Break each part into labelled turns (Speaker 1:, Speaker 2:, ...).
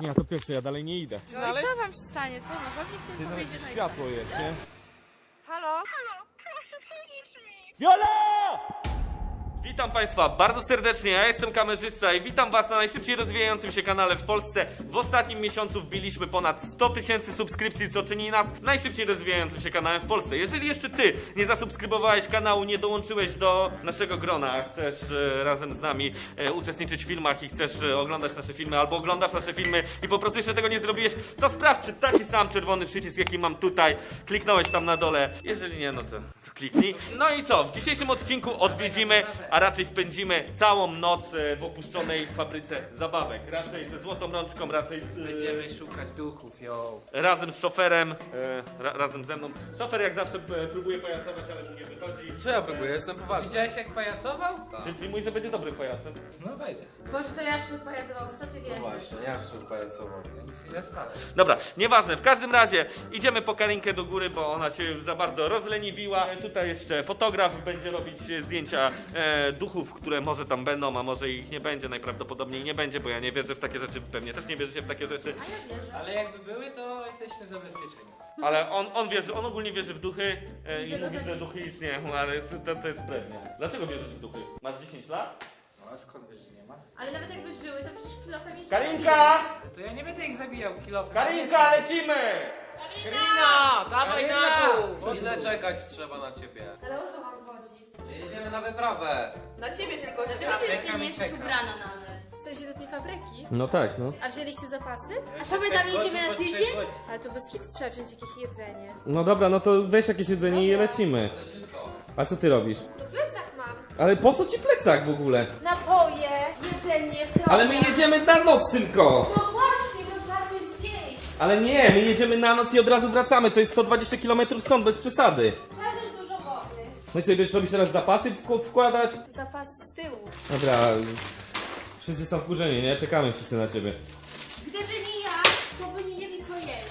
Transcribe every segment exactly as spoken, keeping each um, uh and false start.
Speaker 1: Nie, ja to pierwsze, ja dalej nie idę.
Speaker 2: No ale... i co wam się stanie? Co? Nożownik
Speaker 1: Ty,
Speaker 2: tylko
Speaker 1: nawet
Speaker 2: wyjdzie, no i
Speaker 1: światło
Speaker 2: co?
Speaker 1: jest, nie?
Speaker 2: Halo?
Speaker 3: Halo, proszę pomóż mi!
Speaker 1: Viola! Witam Państwa bardzo serdecznie, ja jestem kamerzysta i witam Was na najszybciej rozwijającym się kanale w Polsce. W ostatnim miesiącu wbiliśmy ponad sto tysięcy subskrypcji, co czyni nas najszybciej rozwijającym się kanałem w Polsce. Jeżeli jeszcze Ty nie zasubskrybowałeś kanału, nie dołączyłeś do naszego grona, a chcesz e, razem z nami e, uczestniczyć w filmach i chcesz e, oglądać nasze filmy, albo oglądasz nasze filmy i po prostu jeszcze tego nie zrobiłeś, to sprawdź, czy taki sam czerwony przycisk, jaki mam tutaj, kliknąłeś tam na dole. Jeżeli nie, no to kliknij. No i co? W dzisiejszym odcinku odwiedzimy, a raczej spędzimy całą noc e, w opuszczonej fabryce zabawek. Raczej ze złotą rączką, raczej z, e,
Speaker 4: Będziemy szukać duchów, yo.
Speaker 1: razem z szoferem, e, ra, razem ze mną. Szofer jak zawsze e, próbuje pajacować, ale mu nie wychodzi.
Speaker 5: Co ja próbuję? Jestem poważny.
Speaker 4: Widziałeś jak pajacował?
Speaker 1: Czyli, czyli mówi, że będzie dobrym pajacem.
Speaker 4: No wejdzie.
Speaker 2: Boże, to Jaszczur pajacował, co ty wiesz?
Speaker 5: Właśnie, ja szczur pajacował.
Speaker 4: Ja nic nie stałem.
Speaker 1: Dobra, nieważne, w każdym razie idziemy po Karinkę do góry, bo ona się już za bardzo rozleniwiła. E, tutaj jeszcze fotograf będzie robić e, zdjęcia e, duchów, które może tam będą, a może ich nie będzie, najprawdopodobniej nie będzie, bo ja nie wierzę w takie rzeczy, pewnie też nie wierzycie w takie rzeczy.
Speaker 2: A ja wierzę.
Speaker 4: Ale jakby były, to jesteśmy zabezpieczeni.
Speaker 1: Ale on, on wierzy, on ogólnie wierzy w duchy e,
Speaker 2: I
Speaker 1: i
Speaker 2: że go
Speaker 1: mówi, że
Speaker 2: zabije.
Speaker 1: duchy istnieją, ale to, to jest pewnie. Dlaczego wierzysz w duchy? Masz dziesięć lat?
Speaker 4: No a skąd wiesz, że nie ma?
Speaker 2: Ale nawet jakby żyły, to przecież kilofem ich
Speaker 1: Karinka!
Speaker 4: To ja nie będę ich zabijał kilofem.
Speaker 1: Karinka, lecimy!
Speaker 4: Karina! Dawaj na dół!
Speaker 5: Ile czekać trzeba na ciebie?
Speaker 6: Ale o co wam chodzi?
Speaker 5: Jedziemy na wyprawę.
Speaker 6: Na ciebie tylko
Speaker 2: Dlaczego ty jeszcze
Speaker 4: Czekam
Speaker 2: nie
Speaker 4: i
Speaker 2: jesteś
Speaker 4: czekam.
Speaker 2: ubrana nawet?
Speaker 6: W sensie do tej fabryki?
Speaker 1: No tak, no.
Speaker 6: A wzięliście zapasy?
Speaker 2: A co my tam jedziemy na tydzień?
Speaker 6: Ale to bez kitu trzeba wziąć jakieś jedzenie.
Speaker 1: No dobra, no to weź jakieś jedzenie i lecimy. A co ty robisz?
Speaker 6: To plecak mam.
Speaker 1: Ale po co ci plecak w ogóle?
Speaker 6: Napoje, jedzenie, program.
Speaker 1: Ale my jedziemy na noc tylko!
Speaker 6: No właśnie, to trzeba coś zjeść.
Speaker 1: Ale nie, my jedziemy na noc i od razu wracamy, to jest sto dwadzieścia kilometrów stąd, bez przesady.
Speaker 6: Trzeba wziąć dużo wody.
Speaker 1: No i co, będziesz robić teraz zapasy wk- wkładać?
Speaker 6: Zapas z tyłu.
Speaker 1: Dobra, wszyscy są wkurzeni, nie? Czekamy wszyscy na ciebie.
Speaker 6: Gdyby nie ja, to by nie mieli co jeść.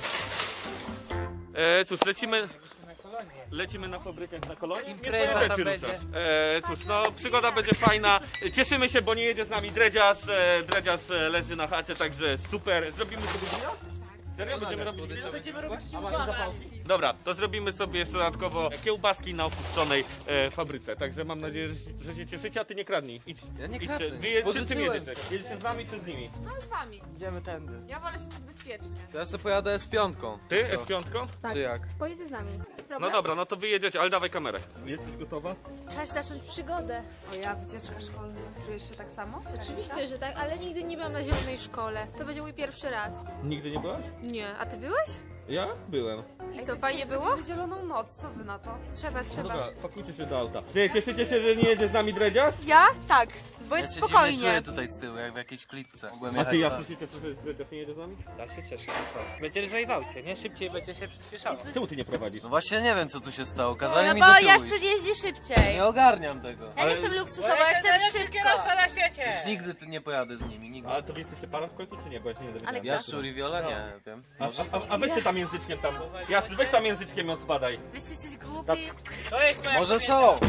Speaker 1: E, cóż, lecimy... Lecimy na fabrykę na kolonii. Nie
Speaker 4: Impreza
Speaker 1: twoje rzeczy
Speaker 4: tam
Speaker 1: ruszasz.
Speaker 4: będzie.
Speaker 1: E, cóż, no przygoda będzie fajna. Cieszymy się, bo nie jedzie z nami dredziarz. E, dredziarz e, leży na chacie, także super. Zrobimy sobie grilla? Serio? Będziemy robić grilla?
Speaker 4: Będziemy robić
Speaker 1: Dobra, to zrobimy sobie jeszcze dodatkowo kiełbaski na opuszczonej e, fabryce. Także mam nadzieję, że, że się cieszycie, a ty nie kradnij. Idź,
Speaker 5: Ja nie
Speaker 1: idź
Speaker 5: kradnę.
Speaker 1: Wy, je, czy, czym
Speaker 5: Pożyczyłem.
Speaker 1: jedziecie? Jedziecie z nami czy z nimi?
Speaker 6: No z wami.
Speaker 4: Idziemy tędy.
Speaker 6: Ja wolę się czuć bezpiecznie.
Speaker 5: To ja sobie pojadę z piątką.
Speaker 1: Ty?
Speaker 5: Co?
Speaker 1: S pięć?
Speaker 5: Czy jak?
Speaker 2: Pojedzie z nami.
Speaker 1: No dobra, no to wy jedziecie, ale dawaj kamerę. Jesteś gotowa?
Speaker 6: Czas zacząć przygodę.
Speaker 7: O ja, wycieczka szkolna. Czujesz się tak samo?
Speaker 6: Oczywiście, że tak, ale nigdy nie byłam na zielonej szkole. To będzie mój pierwszy raz.
Speaker 1: Nigdy nie byłaś?
Speaker 6: Nie, a ty byłeś?
Speaker 1: Ja byłem.
Speaker 6: I co, fajnie było?
Speaker 7: Zieloną noc, co wy na to?
Speaker 6: Trzeba,
Speaker 1: No
Speaker 6: trzeba.
Speaker 1: dobra, pakujcie się do auta. Ty, cieszycie się, że nie jedzie z nami dredziarz?
Speaker 2: Ja? Tak, bo
Speaker 5: Ja
Speaker 2: jest
Speaker 5: się dziwnie
Speaker 2: spokojnie.
Speaker 5: czuję tutaj z tyłu, jak w jakiejś klitce. Mogłem
Speaker 1: A
Speaker 5: jechać
Speaker 1: ty,
Speaker 5: na-
Speaker 1: Jaszu, się cieszysz, że dredziarz nie jedzie z nami?
Speaker 4: Ja się cieszę, no co? Będzie lżej w aucie, nie? Szybciej będzie się przyspieszało.
Speaker 1: Czemu ty nie prowadzisz?
Speaker 5: No właśnie nie wiem co tu się stało, kazali
Speaker 2: No
Speaker 5: mi
Speaker 2: bo
Speaker 5: do tyłu
Speaker 2: Jaszczur
Speaker 5: iść.
Speaker 2: jeździ szybciej.
Speaker 5: Nie ogarniam tego.
Speaker 2: Ja nie chcę luksusowo, ja chcę szybko.
Speaker 4: na świecie!
Speaker 5: Już nigdy ty nie pojadę z nimi, nigdy.
Speaker 1: Ale to wy jesteście parą w końcu, czy nie? Bo ja się nie dowiedziałem.
Speaker 2: Ale kto?
Speaker 5: Jaszczur i Wiola? Nie wiem.
Speaker 1: A,
Speaker 5: Może
Speaker 1: a, a weź się tam języczkiem tam. Jaszczur, weź tam języczkiem i odpadaj.
Speaker 2: Wiesz, ty jesteś głupi.
Speaker 4: To jest moja
Speaker 5: Może
Speaker 4: kobieta.
Speaker 5: są!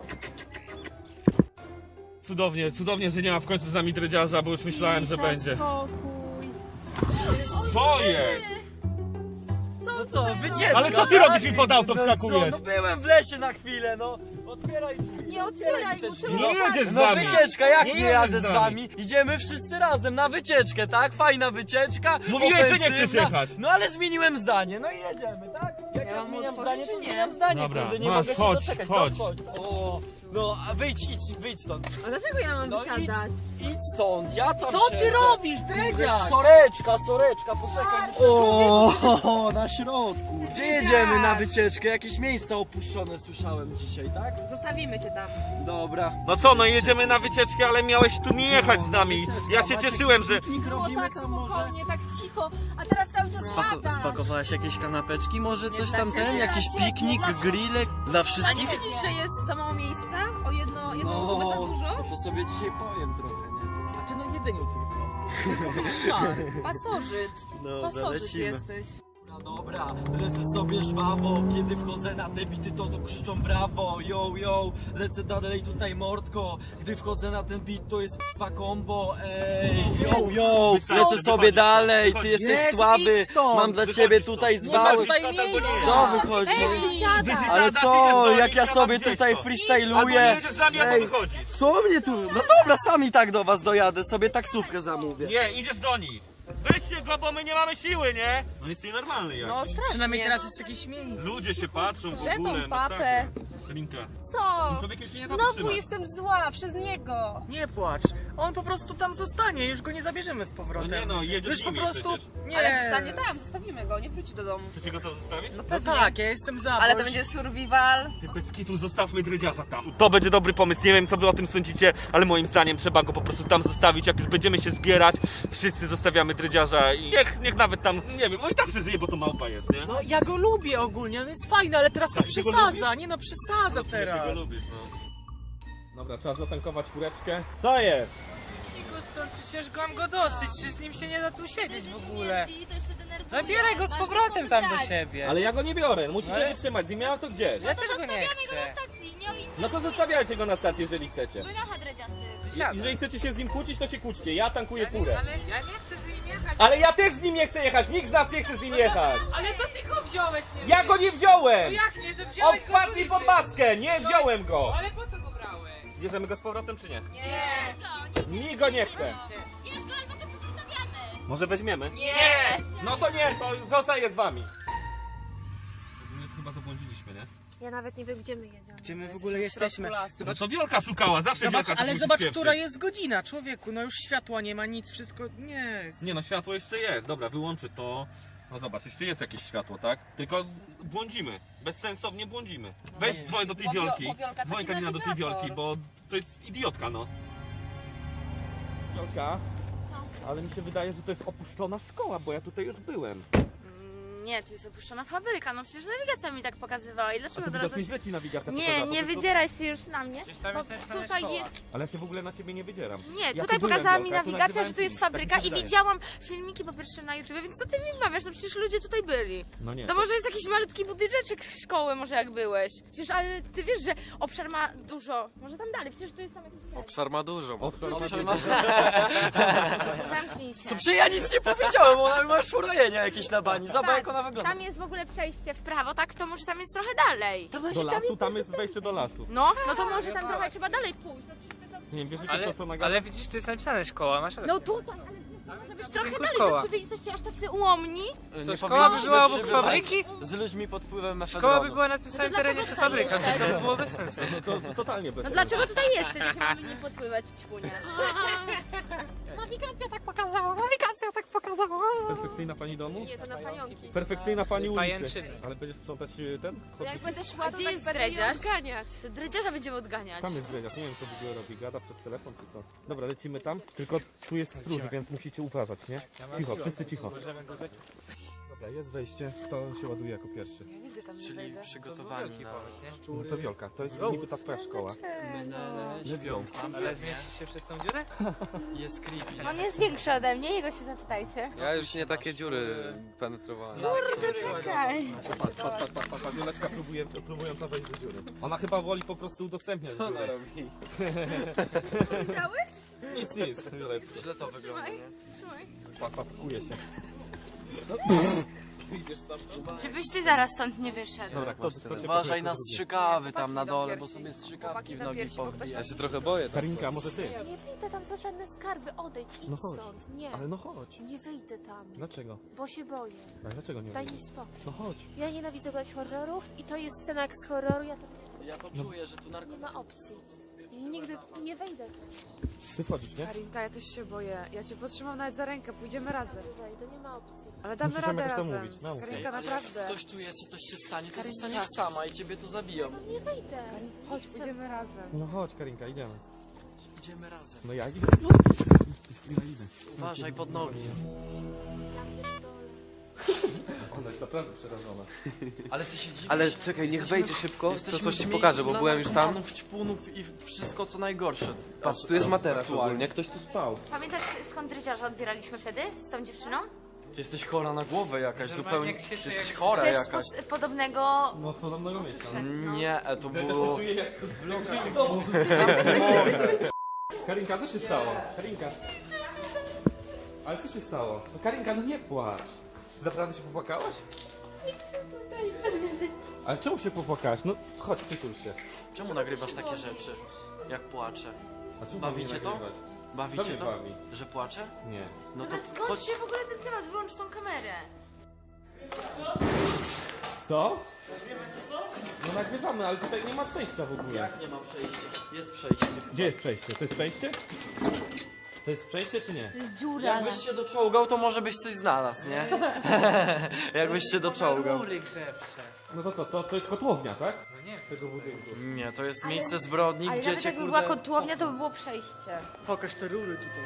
Speaker 1: Cudownie, cudownie, że nie ma w końcu z nami dredziarza, bo już myślałem, że będzie.
Speaker 6: Spokój.
Speaker 1: Co jest?
Speaker 8: No co, wycieczka!
Speaker 1: Ale co ty robisz mi pod auto wskakujesz?
Speaker 8: No byłem w lesie na chwilę, no! Otwieraj drzwi!
Speaker 6: Nie otwieraj, muszę
Speaker 1: Nie jedziesz z
Speaker 8: No
Speaker 1: nami!
Speaker 8: wycieczka, jak
Speaker 1: Nie
Speaker 8: nie,
Speaker 1: jedziesz
Speaker 8: jadę
Speaker 1: z
Speaker 8: z
Speaker 1: nami.
Speaker 8: wami? Idziemy wszyscy razem na wycieczkę, tak? Fajna wycieczka!
Speaker 1: Mówiłeś, że nie
Speaker 8: ofensywna.
Speaker 1: chcesz jechać.
Speaker 8: No ale zmieniłem zdanie, no i jedziemy, tak? Jak ja,
Speaker 7: mam
Speaker 8: zmieniam
Speaker 7: otworzyć,
Speaker 8: zdanie, to
Speaker 7: czy nie?
Speaker 8: zmieniam zdanie,
Speaker 1: Dobra,
Speaker 8: kurde, nie
Speaker 1: masz,
Speaker 8: mogę się
Speaker 1: chodź,
Speaker 8: doczekać.
Speaker 1: chodź.
Speaker 8: No, chodź. O, no, a wyjdź, idź, wyjdź stąd.
Speaker 2: A dlaczego ja mam
Speaker 8: No idź,
Speaker 2: wysiadać?
Speaker 8: idź stąd, ja tam
Speaker 7: Co ty
Speaker 8: siedzę.
Speaker 7: robisz, dredziarz?
Speaker 8: Soreczka, soreczka, poczekaj. O, na środku. Gdzie jedziemy na wycieczkę? Jakieś miejsca opuszczone słyszałem dzisiaj, tak?
Speaker 7: Zostawimy cię tam.
Speaker 8: Dobra.
Speaker 1: No co, no jedziemy na wycieczkę, ale miałeś tu nie jechać z nami. Ja się cieszyłem, że...
Speaker 8: Piknik
Speaker 6: Było
Speaker 8: robimy
Speaker 6: tak
Speaker 8: tam może.
Speaker 6: spokojnie, tak cicho, a teraz cały czas
Speaker 5: Spako
Speaker 6: gadasz.
Speaker 5: spakowałaś jakieś kanapeczki? Może coś
Speaker 6: dla
Speaker 5: tam
Speaker 6: ciebie,
Speaker 5: ten?
Speaker 6: dla
Speaker 5: Jakiś
Speaker 6: ciebie,
Speaker 5: piknik,
Speaker 6: dla
Speaker 5: grillek dla
Speaker 6: A nie
Speaker 5: wszystkich?
Speaker 6: widzisz, że jest za mało miejsca? O jedno, jedną
Speaker 8: No,
Speaker 6: osobę za dużo?
Speaker 8: to sobie dzisiaj powiem trochę, nie? A ty no jedzeniu tylko.
Speaker 6: Pasożyt.
Speaker 8: Dobra,
Speaker 6: Pasożyt
Speaker 8: lecimy.
Speaker 6: jesteś.
Speaker 8: Dobra, lecę sobie żwawo, kiedy wchodzę na te bity, to, to krzyczą brawo, yo, yo, lecę dalej tutaj mordko, gdy wchodzę na ten beat, to jest k***wa combo, ej, yo, yo, lecę sobie dalej, ty jesteś
Speaker 9: Jezu,
Speaker 8: słaby,
Speaker 9: idź stąd.
Speaker 8: mam dla ciebie tutaj
Speaker 9: Nie ma
Speaker 8: zwały,
Speaker 9: tutaj miejsca!
Speaker 8: co wychodzi? Ale co, jak ja sobie tutaj freestyluję, ej, co mnie tu, no dobra, sami tak do was dojadę, sobie taksówkę zamówię.
Speaker 1: Nie, idziesz do nich. Weźcie go, bo my nie mamy siły, nie? No jest nienormalny jak.
Speaker 7: No strasznie.
Speaker 9: Przynajmniej teraz jest jakieś miejsce.
Speaker 1: Ludzie się patrzą w
Speaker 6: Że tą
Speaker 1: ogóle.
Speaker 6: papę.
Speaker 1: Karinka,
Speaker 6: Co?
Speaker 1: ten człowiek już się nie
Speaker 6: Znowu
Speaker 1: zatrzyma.
Speaker 6: jestem zła przez niego.
Speaker 9: Nie płacz. On po prostu tam zostanie, już go nie zabierzemy z powrotem.
Speaker 1: No nie no, jedziesz
Speaker 9: Już
Speaker 1: z
Speaker 9: po
Speaker 1: nimi
Speaker 9: prostu.
Speaker 1: przecież.
Speaker 9: Nie.
Speaker 7: Ale zostanie tam, zostawimy go, nie wróci do domu.
Speaker 1: Chcecie go to zostawić?
Speaker 9: No tak, ja jestem za.
Speaker 7: Ale
Speaker 9: bo
Speaker 7: to
Speaker 9: już-
Speaker 7: będzie survival.
Speaker 1: Ty bez kitu zostawmy dredziarza tam. To będzie dobry pomysł, nie wiem co wy o tym sądzicie, ale moim zdaniem trzeba go po prostu tam zostawić. Jak już będziemy się zbierać, wszyscy zostawiamy dredziarza i niech, niech nawet tam, nie wiem, on i tak przeżyje, bo to małpa jest, nie?
Speaker 9: No ja go lubię ogólnie, on jest fajny, ale teraz to
Speaker 1: Tak, ty go
Speaker 9: przesadza. Nie no, przesadza teraz.
Speaker 1: Ty go lubisz, no. Dobra, trzeba zatankować fureczkę. Co jest?
Speaker 4: Niku, stąd przecież mam go dosyć, czy z nim się nie da tu siedzieć w ogóle.
Speaker 2: Śmierdzi, to jeszcze denerwuje.
Speaker 4: Zabieraj go z
Speaker 2: Masz
Speaker 4: powrotem
Speaker 2: go
Speaker 4: tam do
Speaker 2: wybrać.
Speaker 4: siebie.
Speaker 1: Ale ja go nie biorę, musicie
Speaker 4: Ale-
Speaker 1: wytrzymać, z nim miałem to gdzieś.
Speaker 4: Ja też go nie
Speaker 2: Zostawiamy go
Speaker 4: chcę.
Speaker 2: na stacji, nie o innym.
Speaker 1: No to zostawiajcie go na stacji, jeżeli chcecie.
Speaker 2: Wynocha dredziasty.
Speaker 4: Siadaj.
Speaker 1: Jeżeli chcecie się z nim kłócić, to się kłóćcie, ja tankuję furę.
Speaker 4: Ale ja nie chcę z nim jechać.
Speaker 1: Ale ja też z nim nie chcę jechać, nikt z nas nie chce z nim jechać.
Speaker 4: Ale to ty go wziąłeś, nie
Speaker 1: Ja go nie wziąłem!
Speaker 4: No jak nie, to
Speaker 1: On
Speaker 4: wziąłeś go
Speaker 1: wpadł mi
Speaker 4: z
Speaker 1: pod
Speaker 4: ulicy.
Speaker 1: maskę, nie wziąłem go!
Speaker 4: Ale po co go brałeś?
Speaker 1: Bierzemy go z powrotem czy nie?
Speaker 2: Nie. Bierz go, nie
Speaker 1: Mi go nie chce.
Speaker 2: bierz go, albo go tu zostawiamy.
Speaker 1: Może weźmiemy?
Speaker 7: Nie!
Speaker 1: No to nie, to zostaje z wami. Chyba zabłądziliśmy, nie?
Speaker 6: Ja nawet nie wiem, gdzie my jedziemy.
Speaker 9: Gdzie my w ogóle jesteśmy?
Speaker 1: No
Speaker 9: Zobacz,
Speaker 1: to Wiolka szukała, zawsze
Speaker 9: zobacz
Speaker 1: Wiolka
Speaker 9: ale
Speaker 1: coś
Speaker 9: zobacz,
Speaker 1: musi
Speaker 9: która
Speaker 1: spieprzyć.
Speaker 9: jest godzina, człowieku. No już światła nie ma, nic, wszystko nie jest.
Speaker 1: Nie no, światło jeszcze jest, dobra, wyłączy to. No zobacz, jeszcze jest jakieś światło, tak? Tylko błądzimy, bezsensownie błądzimy. Weź dzwoń do tej
Speaker 7: Bo Wiol-
Speaker 1: Wiolki,
Speaker 7: bo Wiolka
Speaker 1: dzwoń
Speaker 7: taki
Speaker 1: Karina do tej
Speaker 7: nawigator.
Speaker 1: Wiolki, bo to jest idiotka, no. Wiolka, ale mi się wydaje, że to jest opuszczona szkoła, bo ja tutaj już byłem.
Speaker 2: Nie, to jest opuszczona fabryka, no przecież nawigacja mi tak pokazywała i
Speaker 1: A
Speaker 2: dlaczego
Speaker 1: to
Speaker 2: teraz
Speaker 1: widocznie
Speaker 2: coś...
Speaker 1: źle ci nawigacja
Speaker 2: Nie,
Speaker 1: pokazała, po
Speaker 2: nie
Speaker 1: prostu-
Speaker 2: wydzieraj się już na mnie.
Speaker 4: Przecież tam
Speaker 2: Bo
Speaker 4: jest napisane
Speaker 2: tutaj
Speaker 4: szkoła.
Speaker 2: jest...
Speaker 1: Ale ja się w ogóle na ciebie nie wydzieram.
Speaker 2: Nie,
Speaker 1: Ja
Speaker 2: tutaj
Speaker 1: tu byłem,
Speaker 2: pokazała mi
Speaker 1: Wiolka, ja tu
Speaker 2: nawigacja, że
Speaker 1: nagrywałem
Speaker 2: tu jest
Speaker 1: filmik, tak mi
Speaker 2: fabryka
Speaker 1: się
Speaker 2: i
Speaker 1: wydaje.
Speaker 2: widziałam filmiki po pierwsze na YouTube, więc co ty mi wmawiasz? No przecież ludzie tutaj byli.
Speaker 1: No nie.
Speaker 2: To może jest jakiś malutki budyneczek szkoły, może jak byłeś. Przecież, ale ty wiesz, że obszar ma dużo. Może tam dalej, przecież tu jest tam jakiś...
Speaker 5: Obszar ma dużo.
Speaker 1: O, co,
Speaker 5: To
Speaker 1: co,
Speaker 5: się
Speaker 1: co,
Speaker 2: Zamknij się.
Speaker 8: Co, przecież ja nic nie powiedziałem, ona ma szurojenia jakieś na bani, zobacz jak ona wygląda.
Speaker 2: Tam jest w ogóle przejście w prawo, tak? To może tam jest trochę dalej.
Speaker 1: Do lasu, tam jest wejście do lasu.
Speaker 2: No, no to może tam trochę trzeba dalej pójść. No, przecież to są-
Speaker 1: Nie wierzycie
Speaker 4: Ale,
Speaker 1: to, co nagadam?
Speaker 4: ale widzisz, tu jest napisane szkoła, masz rację.
Speaker 2: no tutaj, ale wiesz, to może być trochę
Speaker 4: Tylko
Speaker 2: dalej.
Speaker 4: szkoła.
Speaker 2: To czy wy jesteście aż tacy ułomni?
Speaker 4: Co, szkoła by była obok
Speaker 8: przebywać
Speaker 4: fabryki?
Speaker 8: z ludźmi pod wpływem mefedronu.
Speaker 4: Szkoła by była na tym samym
Speaker 2: dlaczego
Speaker 4: terenie co
Speaker 2: tutaj
Speaker 4: fabryka,
Speaker 2: jesteś?
Speaker 4: więc to by było bez sensu.
Speaker 1: No to totalnie bez
Speaker 2: No
Speaker 1: sensu.
Speaker 2: dlaczego tutaj jesteś, jak mamy nie podpływać ćpunia?
Speaker 6: Nawigacja tak pokazała, nawigacja tak pokazała.
Speaker 1: Perfekcyjna pani domu?
Speaker 6: Nie, to na pająki.
Speaker 1: Perfekcyjna pani ulicy.
Speaker 4: Pajęczyny.
Speaker 1: Ale będziesz sprzątać y, ten?
Speaker 6: To jak będę
Speaker 2: A
Speaker 6: szła, to
Speaker 2: gdzie
Speaker 6: tak
Speaker 2: jest
Speaker 6: będę je
Speaker 2: dredziarz?
Speaker 6: odganiać.
Speaker 2: To dredziarza będziemy odganiać.
Speaker 1: Tam jest dredziarz, nie wiem co w ogóle robi, gada przez telefon czy co. Dobra, lecimy tam, tylko tu jest stróż, więc musicie uważać, nie? Cicho, wszyscy cicho.
Speaker 4: Możemy go zaciąć.
Speaker 1: Dobra, jest wejście, kto się ładuje jako pierwszy?
Speaker 7: Ja nigdy tam nie
Speaker 5: Czyli
Speaker 7: wejdę.
Speaker 5: przygotowani na...
Speaker 1: No to Wiolka, to jest niby ta twoja szkoła.
Speaker 5: Let's go.
Speaker 4: Ale zmieścisz się przez tą dziurę?
Speaker 5: Jest creepy.
Speaker 2: On jest większy ode mnie, jego się zapytajcie.
Speaker 5: Ja już nie takie dziury penetrowałem.
Speaker 2: Czekaj.
Speaker 1: Patrz, patrz, patrz, patrz, patrz, Wioleczka próbuje, próbująca wejść do dziury. Ona chyba woli po prostu udostępniać dziurę.
Speaker 2: Widziałeś?
Speaker 1: Nic, nic, Wioleczka.
Speaker 5: Źle to wygląda, nie?
Speaker 1: Papakuje się.
Speaker 2: Żebyś ty zaraz stąd nie wyszedł.
Speaker 1: Dobra, kto, kto cię
Speaker 5: Uważaj
Speaker 1: powie,
Speaker 5: na
Speaker 1: kto drugi?
Speaker 5: strzykawy tam na
Speaker 7: Chłopaki
Speaker 5: dole,
Speaker 7: na
Speaker 5: bo
Speaker 7: piersi.
Speaker 5: sobie strzykawki
Speaker 7: Chłopaki
Speaker 5: w
Speaker 7: na
Speaker 5: nogi
Speaker 7: piersi, bo ktoś
Speaker 5: powbija.
Speaker 7: tam-
Speaker 5: Ja się trochę boję. tak.
Speaker 1: Karinka, może ty?
Speaker 6: Nie wyjdę tam za żadne skarby, odejdź, idź
Speaker 1: No chodź.
Speaker 6: stąd. Nie,
Speaker 1: Ale no chodź.
Speaker 6: nie wyjdę tam,
Speaker 1: Dlaczego?
Speaker 6: bo się boję.
Speaker 1: A dlaczego nie
Speaker 6: Daj
Speaker 1: wyjdziesz?
Speaker 6: mi spokój.
Speaker 1: No chodź.
Speaker 6: Ja nienawidzę oglądać horrorów i to jest scena jak z horroru, ja tam
Speaker 5: Ja to czuję, że tu
Speaker 6: nie
Speaker 5: narkotyki.
Speaker 6: ma opcji. Nigdy nie wejdę tam.
Speaker 1: Ty wchodzisz, nie?
Speaker 7: Karinka, ja też się boję. Ja cię potrzymam nawet za rękę, pójdziemy razem.
Speaker 6: Nie wejdę, nie ma opcji.
Speaker 7: Ale damy
Speaker 1: Musisz nam
Speaker 7: radę
Speaker 1: jakoś to
Speaker 7: razem.
Speaker 1: mówić, naukę.
Speaker 7: Karinka, naprawdę.
Speaker 5: Ktoś tu jest i coś się stanie, to
Speaker 7: Karinka.
Speaker 5: zostaniesz sama i ciebie to zabiją.
Speaker 6: Nie wejdę.
Speaker 7: Chodź, pójdziemy razem.
Speaker 1: No chodź Karinka, idziemy.
Speaker 5: Idziemy razem.
Speaker 1: No ja idę. Ja idę.
Speaker 5: Uważaj pod nogi.
Speaker 1: Ona jest naprawdę przerażona.
Speaker 5: Ale ty się dziwisz.
Speaker 10: Ale czekaj, niech wejdzie szybko, to
Speaker 5: Jesteśmy
Speaker 10: coś
Speaker 5: w
Speaker 10: ci
Speaker 5: miejscu
Speaker 10: pokażę, bo
Speaker 5: dla
Speaker 10: byłem już tam.
Speaker 5: narkomanów, ćpunów i wszystko co najgorsze.
Speaker 10: Patrz, tu jest materac ogólnie, ktoś tu spał.
Speaker 2: Pamiętasz skąd dredziarza odbieraliśmy wtedy? Z tą dziewczyną?
Speaker 5: Ty jesteś chora na głowę jakaś,
Speaker 4: Normalnie
Speaker 5: zupełnie.
Speaker 4: jak
Speaker 5: Ty
Speaker 4: się
Speaker 5: jesteś
Speaker 4: jak-
Speaker 5: chora
Speaker 2: Też
Speaker 5: jakaś.
Speaker 2: z podobnego...
Speaker 1: No, z podobnego miejsca.
Speaker 5: Nie, e, to
Speaker 1: Ja też się
Speaker 5: było...
Speaker 1: czuję jak w vlogu. Karinka, co się stało? Karinka. Ale co się stało? No Karinka, no nie płacz. Ty naprawdę się popłakałaś? Nie chcę tutaj. Ale czemu się popłakałaś? No chodź, przytul się.
Speaker 5: Czemu nagrywasz takie rzeczy? Jak płaczę?
Speaker 1: A czemu
Speaker 5: Bawicie
Speaker 1: mnie
Speaker 5: to?
Speaker 1: nagrywać? Co
Speaker 5: Bawicie
Speaker 1: mnie
Speaker 5: to?
Speaker 1: bawi?
Speaker 5: Że płaczę?
Speaker 1: Nie.
Speaker 5: No to
Speaker 2: Skąd
Speaker 5: chodź.
Speaker 2: się w ogóle ten temat? Wyłącz tą kamerę.
Speaker 1: Co? Nagrywasz coś? No nagrywamy, ale tutaj nie ma przejścia w ogóle.
Speaker 5: Jak nie ma przejścia? Jest przejście.
Speaker 1: Gdzie jest przejście? To jest przejście? To jest przejście czy nie?
Speaker 2: To jest dziura.
Speaker 5: Jakbyś się doczołgał, to może byś coś znalazł, nie? Jakbyś się doczołgał.
Speaker 4: Rury grzewcze.
Speaker 1: No to co, to, to jest kotłownia, tak?
Speaker 4: No nie wiem.
Speaker 1: Tego budynku.
Speaker 5: Nie, to jest miejsce zbrodni,
Speaker 2: Ale
Speaker 5: gdzie
Speaker 2: nawet
Speaker 5: cię
Speaker 2: jakby
Speaker 5: kurde...
Speaker 2: była kotłownia, to by było przejście.
Speaker 9: Pokaż te rury tutaj.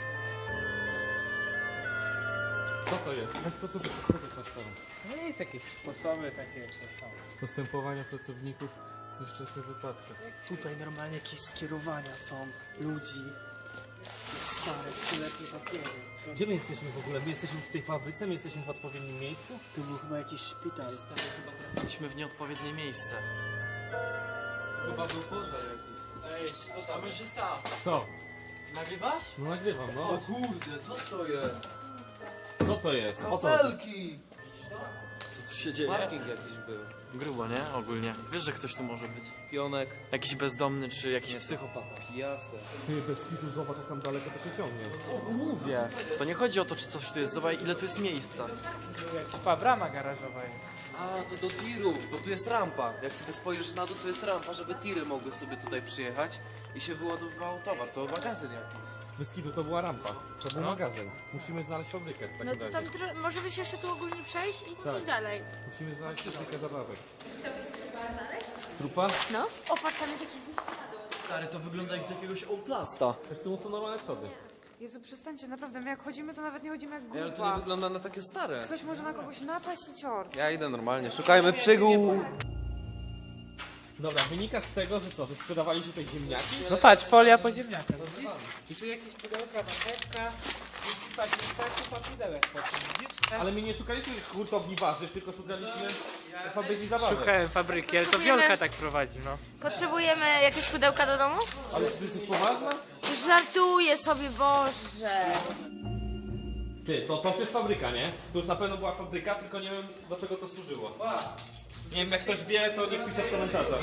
Speaker 1: Co to jest? Weź co, co, co, co to jest napisane?
Speaker 4: No jest jakieś sposoby takie, co są.
Speaker 1: Postępowania pracowników w nieszczęsnych wypadkach.
Speaker 9: Tutaj normalnie jakieś skierowania są ludzi. Stare, stuletnie papiery.
Speaker 1: Gdzie my jesteśmy w ogóle? My jesteśmy w tej fabryce? My jesteśmy w odpowiednim miejscu?
Speaker 9: Tu był chyba jakiś szpital.
Speaker 5: Byliśmy w nieodpowiednie miejsce.
Speaker 10: Chyba był pożar jakiś. Ej, co tam się stało?
Speaker 1: Co?
Speaker 10: Nagrywasz?
Speaker 1: No nagrywam,
Speaker 10: O
Speaker 1: no.
Speaker 10: kurde, co to jest?
Speaker 1: Co to jest? O co chodzi?
Speaker 10: Felki!
Speaker 5: Co tu się dzieje?
Speaker 10: Parking jakiś był.
Speaker 5: Grubo, nie? Ogólnie. Wiesz, że ktoś tu może być.
Speaker 10: Pionek.
Speaker 5: Jakiś bezdomny, czy jakiś psychopata.
Speaker 10: Kijasy.
Speaker 1: Ty, bez kitu, zobacz jak tam daleko to się ciągnie.
Speaker 5: Mówię. To nie chodzi o to, czy coś tu jest. Zobacz, ile tu jest miejsca.
Speaker 4: Chyba brama garażowa jest.
Speaker 10: A, to do tirów, bo tu jest rampa. Jak sobie spojrzysz na dół, to jest rampa, żeby tiry mogły sobie tutaj przyjechać i się wyładowywał towar. To magazyn jakiś.
Speaker 1: Bez kitu to była rampa. To był magazyn. Musimy znaleźć fabrykę w takim
Speaker 2: No to
Speaker 1: razie.
Speaker 2: tam tro- możemy się jeszcze tu ogólnie przejść i
Speaker 1: Tak.
Speaker 2: iść dalej.
Speaker 1: Musimy znaleźć fabrykę zabawek.
Speaker 2: Chciałbyś trupa znaleźć?
Speaker 1: Trupa?
Speaker 2: No. O, patrz, tam jest jakiś śladu.
Speaker 5: Stary, to wygląda jak z jakiegoś Outlasta.
Speaker 1: Też tu są normalne schody.
Speaker 7: Jezu, przestańcie, naprawdę, my jak chodzimy, to nawet nie chodzimy jak
Speaker 10: Ej, ale to nie
Speaker 7: grupa.
Speaker 10: wygląda na takie stare.
Speaker 7: Ktoś może na kogoś napaść i cior.
Speaker 10: Ja idę normalnie, szukajmy przygód.
Speaker 1: Dobra, wynika z tego, że co, że sprzedawali tutaj ziemniaki?
Speaker 4: No patrz, folia po ziemniakach, widzisz? I tu jakieś pudełka, marchewka. I patrz, wystarczy po pudełek po tym, widzisz?
Speaker 1: Ale my nie szukaliśmy hurtowni warzyw, tylko szukaliśmy fabryki zabawek.
Speaker 4: Szukałem fabryki, ale to Wiolka tak prowadzi, no.
Speaker 2: Potrzebujemy jakieś pudełka do domu?
Speaker 1: Ale ty jesteś poważna?
Speaker 2: Żartuję sobie, Boże.
Speaker 1: Ty, to to już jest fabryka, nie? To już na pewno była fabryka, tylko nie wiem do czego to służyło. Nie wiem, jak ktoś wie, to niech pisze w komentarzach.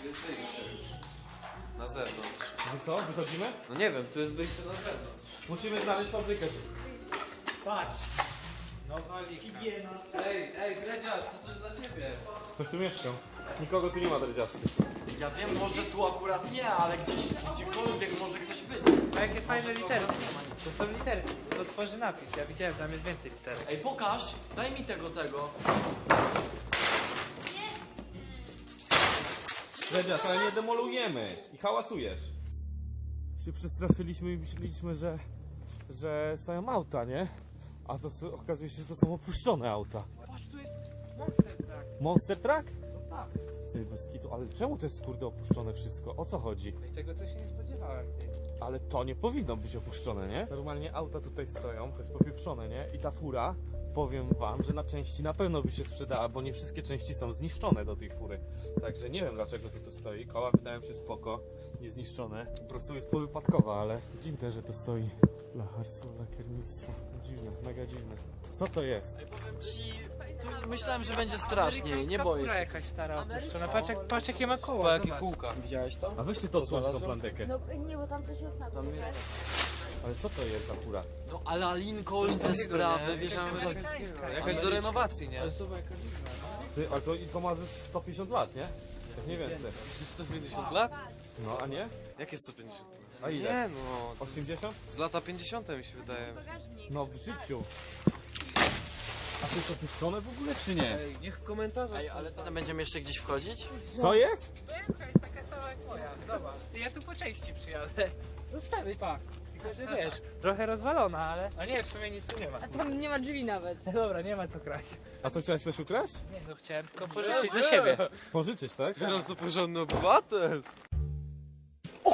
Speaker 10: Na zewnątrz.
Speaker 1: No co, wychodzimy?
Speaker 10: No nie wiem, tu jest wyjście na zewnątrz.
Speaker 1: Musimy znaleźć fabrykę.
Speaker 4: Patrz. No wali.
Speaker 10: Ej, ej, Dredziarz, to coś dla ciebie.
Speaker 1: Ktoś tu mieszkał. Nikogo tu nie ma dredziasty.
Speaker 5: Ja wiem, może tu akurat nie, ale gdzieś, gdziekolwiek może ktoś być.
Speaker 4: A jakie fajne literki. To są literki, to tworzy napis. Ja widziałem, tam jest więcej literek.
Speaker 5: Ej, pokaż, daj mi tego, tego.
Speaker 1: Dredzias, ale nie demolujemy i hałasujesz. Się przestraszyliśmy i myśleliśmy, że, że stoją auta, nie? A to s- okazuje się, że to są opuszczone auta.
Speaker 4: Patrz, tu jest monster truck.
Speaker 1: Monster Truck?
Speaker 4: No tak.
Speaker 1: Ty, bez kitu, ale czemu to jest kurde opuszczone wszystko? O co chodzi?
Speaker 4: No i tego to się nie spodziewałem, ty.
Speaker 1: Ale to nie powinno być opuszczone, nie? Normalnie auta tutaj stoją, to jest popieprzone, nie? I ta fura, powiem wam, że na części na pewno by się sprzedała, bo nie wszystkie części są zniszczone do tej fury. Także nie wiem dlaczego to tu stoi. Koła wydają się spoko, niezniszczone. Po prostu jest powypadkowa, ale dziwne, że to stoi. Lacharstwo, lakiernictwo. Dziwne, mega dziwne. Co to jest?
Speaker 5: Ej, powiem ci, tu myślałem, że będzie straszniej, nie
Speaker 4: Amerykańska
Speaker 5: boję
Speaker 4: fura
Speaker 5: się.
Speaker 4: jakaś stara opuszczona. Patrz, jak, patrz jakie ma
Speaker 10: Po
Speaker 4: koła,
Speaker 10: jakie
Speaker 4: zobacz.
Speaker 10: kółka.
Speaker 5: Widziałeś to?
Speaker 1: A weźcie to odsłończ tą plandekę.
Speaker 2: No nie, bo tam coś jest na
Speaker 10: Tam jest.
Speaker 1: Ale co to jest za fura?
Speaker 5: No ale Alinko, te sprawy, wiesz,
Speaker 4: Amerykańska.
Speaker 10: Jakaś do renowacji, nie?
Speaker 4: Ale zobacz, jaka dziwna.
Speaker 1: Ty, ale to, i to ma ze sto pięćdziesiąt lat, nie? Tak nie więcej.
Speaker 10: sto pięćdziesiąt lat?
Speaker 1: No, a nie?
Speaker 10: Jakie sto pięćdziesiąt lat?
Speaker 1: A ile?
Speaker 10: Nie no,
Speaker 1: osiemdziesiąt?
Speaker 10: z lata pięćdziesiąte mi się wydaje.
Speaker 1: No w życiu. A to jest opuszczone w ogóle czy nie?
Speaker 10: Ej, niech komentarze.
Speaker 5: Ej, ale potem będziemy jeszcze gdzieś wchodzić?
Speaker 1: Co jest?
Speaker 4: Wielka jest taka sama jak moja, zobacz. Ja tu po części przyjadę. No stary, pak. Tylko, że wiesz, trochę rozwalona, ale... A nie, w sumie nic tu nie ma.
Speaker 2: A tam nie ma drzwi nawet.
Speaker 4: Dobra, nie ma co kraść.
Speaker 1: A co, chciałeś coś ukraść?
Speaker 4: Nie, no chciałem tylko pożyczyć do siebie.
Speaker 1: Pożyczyć, tak?
Speaker 10: Teraz to porządny obywatel.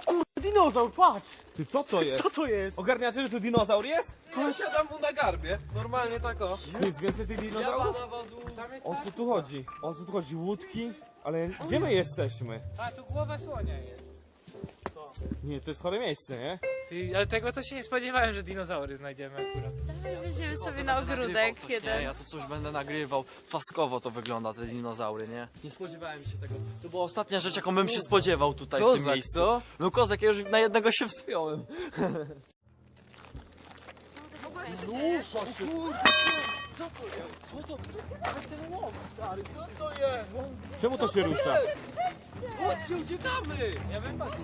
Speaker 9: dinozaur, patrz!
Speaker 1: Ty co to jest?
Speaker 9: Co to jest?
Speaker 1: Ogarniacie, że tu dinozaur jest?
Speaker 10: Ja siadam mu na garbie. Normalnie tak o.
Speaker 1: Tu jest więcej tych dinozaurów?
Speaker 4: Tam jest
Speaker 1: O co tu chodzi? O co tu chodzi? Łódki? Ale gdzie my jesteśmy?
Speaker 4: A, tu głowa słonia jest.
Speaker 1: Nie, to jest chore miejsce, nie?
Speaker 4: Ty, ale tego to się nie spodziewałem, że dinozaury znajdziemy akurat.
Speaker 2: Weźmiemy sobie na
Speaker 5: Nagrywał
Speaker 2: ogródek
Speaker 5: coś, nie?
Speaker 2: jeden.
Speaker 5: Ja tu coś będę nagrywał. Faskowo to wygląda, te dinozaury, nie? Nie spodziewałem się tego. To była ostatnia rzecz, jaką bym się spodziewał tutaj w tym
Speaker 10: Kozak,
Speaker 5: miejscu.
Speaker 10: co?
Speaker 5: No kozak, ja już na jednego się wspiąłem.
Speaker 1: Czemu to się rusza?
Speaker 10: Chodźcie, uciekamy!
Speaker 4: Ja bym patrzył.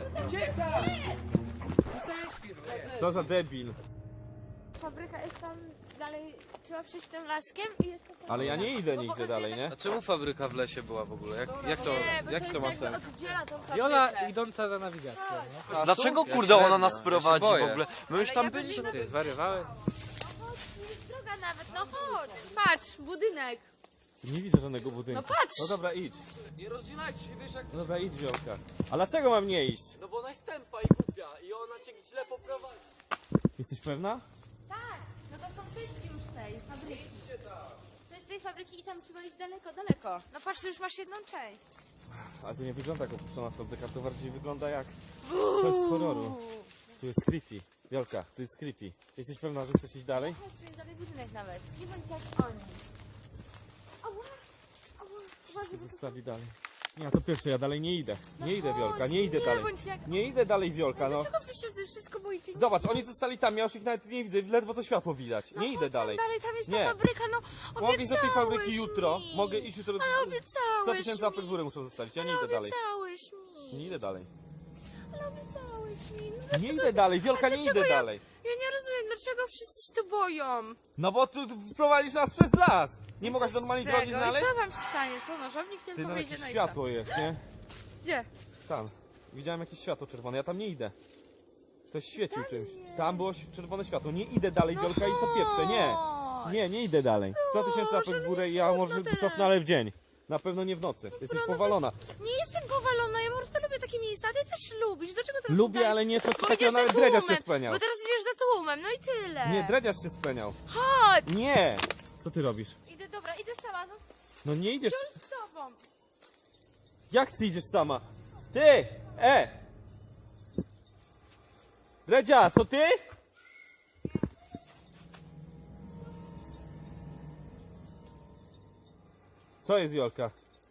Speaker 1: Co za debil.
Speaker 2: Fabryka jest tam dalej, trzeba przejść tym laskiem i jest...
Speaker 1: Ale ja nie idę nigdzie dalej, nie?
Speaker 10: A czemu fabryka w lesie była w ogóle? Jak, jak to,
Speaker 2: Nie, bo
Speaker 10: jak
Speaker 2: to
Speaker 10: to ma
Speaker 2: jest
Speaker 10: sens?
Speaker 2: jakby oddziela tą fabrykę.
Speaker 4: Jola idąca za nawigacją, nie?
Speaker 10: A
Speaker 5: Dlaczego
Speaker 10: tu?
Speaker 5: kurde
Speaker 10: Ja
Speaker 5: ona
Speaker 10: średnio,
Speaker 5: nas
Speaker 10: ja się
Speaker 5: prowadzi w
Speaker 10: boję.
Speaker 5: ogóle? My już
Speaker 2: Ale
Speaker 5: tam
Speaker 2: ja
Speaker 5: byliśmy.
Speaker 2: bym-
Speaker 4: Ty zwariowałeś?
Speaker 2: No chodź, jest droga nawet, no chodź. Patrz, budynek.
Speaker 1: Nie widzę żadnego budynku.
Speaker 2: No patrz.
Speaker 1: No dobra, idź.
Speaker 10: Nie rozdzielajcie się, wiesz jak...
Speaker 1: No dobra, idź, Wiolka. A dlaczego mam nie iść?
Speaker 5: No bo ona jest tępa i głupia i ona cię źle poprowadzi.
Speaker 1: Jesteś pewna?
Speaker 2: Tak, no to są części już tej fabryki. To jest tej fabryki i tam trzeba iść daleko, daleko. No patrz, ty już masz jedną część.
Speaker 1: Ale to nie wygląda jak opuszczona fabryka, to bardziej wygląda jak coś z horroru. Tu jest creepy. Wiolka, tu jest creepy. Jesteś pewna, że chcesz iść dalej?
Speaker 2: Chodź, tu jest dalej budynek nawet. Nie bądź jak oni. Ała, ała, uważaj, bo to...
Speaker 1: Zostawi dalej. Nie, to pierwsze, ja dalej nie idę. Nie idę,
Speaker 2: chodź,
Speaker 1: Wiolka, nie idę
Speaker 2: nie
Speaker 1: dalej.
Speaker 2: bądź jak-
Speaker 1: Nie idę dalej, Wiolka, no.
Speaker 2: Dlaczego wy się ze wszystko boicie?
Speaker 1: Zobacz, oni zostali tam, ja już ich nawet nie widzę, ledwo co światło widać.
Speaker 2: No
Speaker 1: Nie idę
Speaker 2: chodź tam
Speaker 1: dalej.
Speaker 2: dalej, tam jest
Speaker 1: Nie.
Speaker 2: ta fabryka, no
Speaker 1: Mogę iść do tej fabryki
Speaker 2: obiecałeś
Speaker 1: jutro.
Speaker 2: mi.
Speaker 1: Mogę iść jutro.
Speaker 2: Ale
Speaker 1: sto
Speaker 2: obiecałeś
Speaker 1: tysięcy łapek w
Speaker 2: mi.
Speaker 1: górę muszę zostawić, ja nie
Speaker 2: Ale
Speaker 1: idę dalej.
Speaker 2: obiecałeś mi.
Speaker 1: Nie idę dalej.
Speaker 2: Ale obiecałeś mi. No
Speaker 1: Nie
Speaker 2: dlaczego-
Speaker 1: idę dalej, Wiolka,
Speaker 2: A
Speaker 1: nie
Speaker 2: dlaczego
Speaker 1: idę
Speaker 2: ja-
Speaker 1: dalej.
Speaker 2: Ja nie rozumiem, dlaczego wszyscy się tu boją.
Speaker 1: No bo tu tu prowadzisz nas przez las. Nie
Speaker 2: I
Speaker 1: mogłaś
Speaker 2: co z
Speaker 1: normalnej
Speaker 2: tego?
Speaker 1: drogi znaleźć?
Speaker 2: I co wam się stanie? Co, nożownik
Speaker 1: Ty,
Speaker 2: tylko
Speaker 1: no
Speaker 2: wyjdzie,
Speaker 1: jakieś
Speaker 2: no i co?
Speaker 1: światło jest, nie?
Speaker 2: Gdzie?
Speaker 1: Tam. Widziałem jakieś światło czerwone, ja tam nie idę. Ktoś świecił czymś. Tam było ś- czerwone światło. Nie idę dalej,
Speaker 2: No
Speaker 1: Wiolka, i to pieprze, nie.
Speaker 2: chodź.
Speaker 1: Nie, nie idę dalej. sto tysięcy łapek w górę i ja
Speaker 2: smutno
Speaker 1: może
Speaker 2: teraz.
Speaker 1: cofnę, ale w dzień. Na pewno nie w nocy. Jesteś
Speaker 2: no
Speaker 1: powalona.
Speaker 2: Nie jestem powalona, ja po prostu lubię takie miejsca, a ty też lubisz. Dlaczego teraz
Speaker 1: Lubię,
Speaker 2: udajesz-
Speaker 1: ale nie coś
Speaker 2: Bo
Speaker 1: takiego,
Speaker 2: idziesz za
Speaker 1: nawet dredziarz się
Speaker 2: tłumem,
Speaker 1: speniał.
Speaker 2: Bo teraz idziesz za tłumem, no i tyle.
Speaker 1: Nie, dredziarz się speniał.
Speaker 2: Chodź!
Speaker 1: Nie! Co ty robisz?
Speaker 2: Idę, dobra, idę sama, no
Speaker 1: No nie idziesz.
Speaker 2: z tobą.
Speaker 1: Jak ty idziesz sama? Ty! E! Dredziarz, to ty? Co jest, Wiolka?